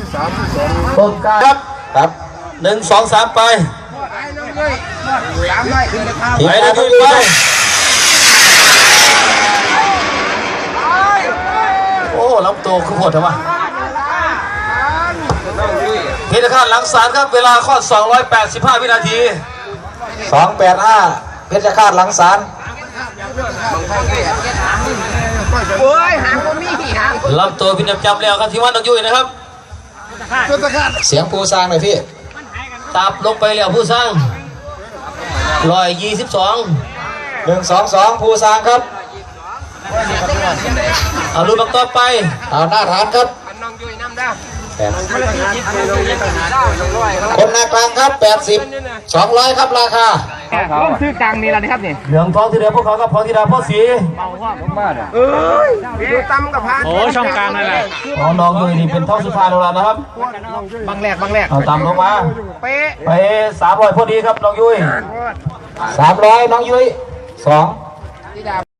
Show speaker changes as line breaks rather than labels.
ต้นกล้าครับ1 2 3ไปไปนะพี่ไปโอ้ลำตัวคือโหดทำไมเพชรฆาตหลังสารครับเวลาข้อ285 วินาที285เพชรฆาตหลังสารลำตัวพินจำแล้วครับที่ว่าน้องยุ้ยนะครับเสียงผู้สร้างหน่อยพี่ตับลงไปแล้วผู้สร้าง122 122ผู้สร้างครับเอาลุ้นบังต่อไปเอาหน้าฐานครับคนหน้ากลางครับ80 200ครับราคา
ต้องซื้อกลางนี่แล้วนะครับนี่
เหลืองทองที่เดือพวกเขากับพองที่ดาพ่อสี
ดูตั้มกับพานโอ้ช่องกลางนั่นแหละ
น้องยุ้ยนี่เป็นท่องสุภาพของเรานะครับ
บางแรก
เอาตามลงมาไป300พอดีครับน้องยุ้ย300น้องยุ้ย2